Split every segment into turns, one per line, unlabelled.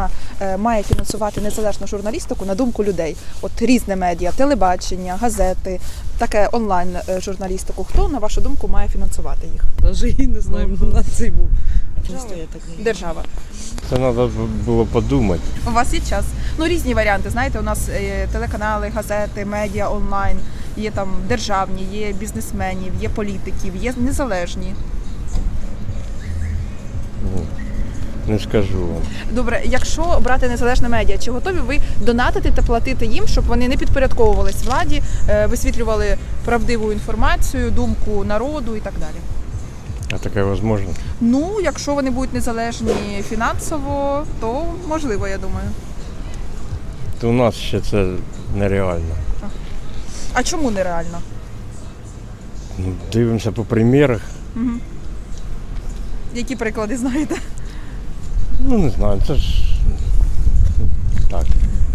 Україна має фінансувати незалежну журналістику на думку людей? От різне медіа, телебачення, газети, таке онлайн-журналістику. Хто, на вашу думку, має фінансувати їх?
Навіть і не знаю, на цей був.
Держава.
Це треба було подумати.
У вас є час? Ну, різні варіанти. Знаєте, у нас телеканали, газети, медіа онлайн, є там державні, є бізнесменів, є політиків, є незалежні.
Не скажу вам.
Добре, якщо брати незалежне медіа, чи готові ви донатити та платити їм, щоб вони не підпорядковувались владі, висвітлювали правдиву інформацію, думку народу і так далі?
А таке можливо?
Ну, якщо вони будуть незалежні фінансово, то можливо, я думаю.
То у нас ще це нереально.
А чому нереально?
Ну, дивимося по примірах.
Угу. Які приклади знаєте?
Ну, не знаю, це ж так.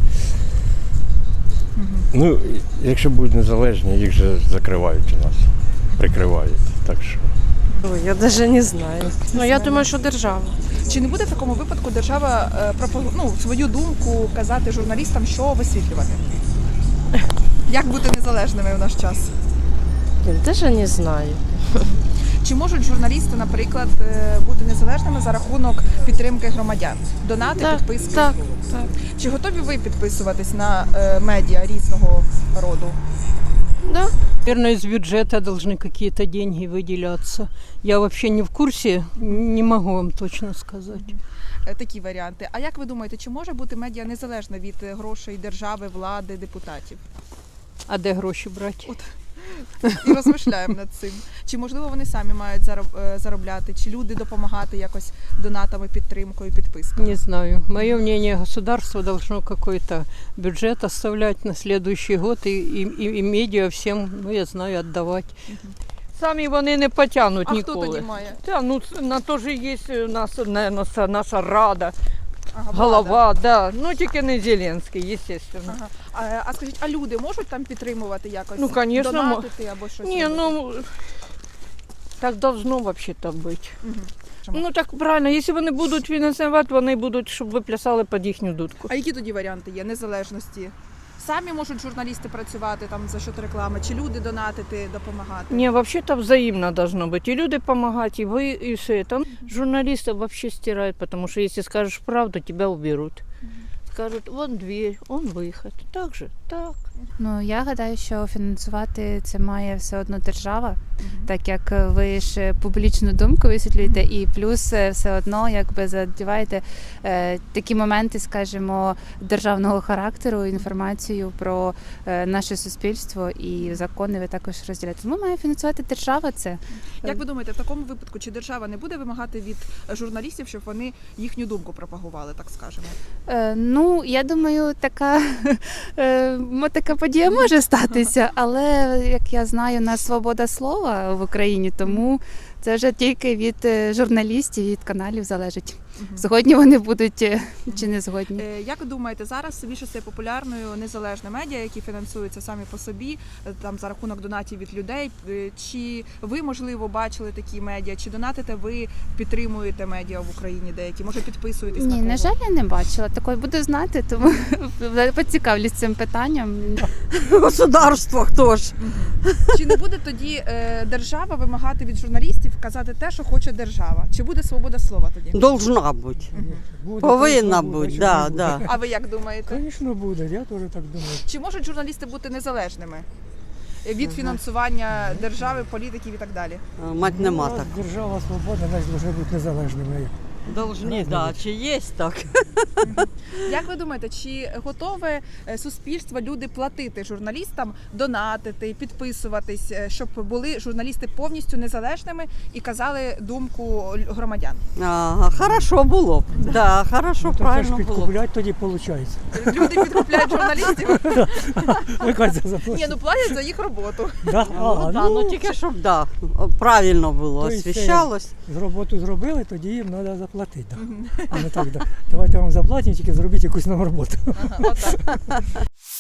Угу.
Ну, якщо будуть незалежні, їх же закривають у нас, прикривають. Так що.
Ой, я навіть не знаю. Ну, я думаю, що держава.
Чи не буде в такому випадку держава свою думку казати журналістам, що висвітлювати? Як бути незалежними в наш час?
Я навіть не знаю.
Чи можуть журналісти, наприклад, бути незалежними за рахунок підтримки громадян? Донати, підписки?
Так.
Чи готові ви підписуватись на медіа різного роду?
Да.
Наверное, из бюджета должны какие-то деньги выделяться. Я вообще не в курсе, не могу вам точно сказать.
Такі варіанти. А як ви думаєте, чи може бути медіа незалежна від грошей держави, влади, депутатів?
А де гроші брати?
І розмишляємо над цим. Чи можливо вони самі мають заробляти, чи люди допомагати якось донатами, підтримкою, підписками?
Не знаю. Мое мнение, государство должно какой-то бюджет оставлять на следующий год и медиа всем, ну я знаю, отдавать. Самі вони не потягнуть
А
ніколи.
хто тоді має?
Та, ну, на то ж є у нас, наверное, наша рада,
Ага,
голова, да. Ну тільки не Зеленський, естественно.
Ага. А скажіть, а люди можуть там підтримувати якось?
Ну, конечно,
донатити або щось?
Не,
робити?
ну так должно вообще-то быть.
Чому?
Ну так правильно, якщо вони будуть фінансувати, вони будуть, щоб ви плясали під їхню дудку.
А які тоді варіанти є незалежності? Самі можуть журналісти працювати там за счет реклами, чи люди донатити, допомагати?
Не, вообще-то взаимно должно быть. И люди помогать, и вы, и все это. Журналистов вообще стирают, потому что если скажешь правду, тебя уберут. Скажут, вон дверь, он выход. Так же, так.
Ну, я гадаю, що фінансувати це має все одно держава, так як ви ж публічну думку висвітлюєте, і плюс все одно якби задіваєте такі моменти, скажімо, державного характеру, інформацію про наше суспільство і закони ви також розділяєте. Тому має фінансувати держава це.
Як ви думаєте, в такому випадку, чи держава не буде вимагати від журналістів, щоб вони їхню думку пропагували, так скажемо?
Ну, я думаю, така подія може статися, але, як я знаю, у нас свобода слова в Україні, тому це вже тільки від журналістів, від каналів залежить. Згодні вони будуть чи не згодні.
Як ви думаєте, зараз більше стає популярною незалежне медіа, які фінансуються самі по собі, там за рахунок донатів від людей? Чи ви, можливо, бачили такі медіа? Чи донатите ви, підтримуєте медіа в Україні деякі? Може, підписуєтесь на
Ні,
кого?
на жаль, я не бачила. Такої буду знати, тому поцікавлюсь цим питанням.
Государство хто ж?
Чи не буде тоді держава вимагати від журналістів казати те, що хоче держава? Чи буде свобода слова тоді?
Должна бути. Повинна бути, да, да.
А ви як думаєте?
Звісно, буде, я теж так думаю.
Чи можуть журналісти бути незалежними від фінансування держави, політиків і так далі?
Мать нема
Ну, раз
так.
держава свободна, значить, повинна бути незалежними.
Должні, да. Чи є так?
Як ви думаєте, чи готове суспільство, люди платити журналістам, донатити, підписуватись, щоб були журналісти повністю незалежними і казали думку громадян?
Ага, хорошо було б. Да, хорошо,
То це ж
правильно було б.
підкуплять тоді виходить.
Люди підкупляють журналістів?
Яка це
Ні,
заплатить?
ну платять за їх роботу.
Да?
Ну, да, ну тільки щоб да, правильно було,
То есть це
освіщалось.
З роботу зробили, тоді їм треба заплатити. Да. А не так, да. Давайте вам заплатимо, тільки зробіть якусь нову роботу.
Ага, отак.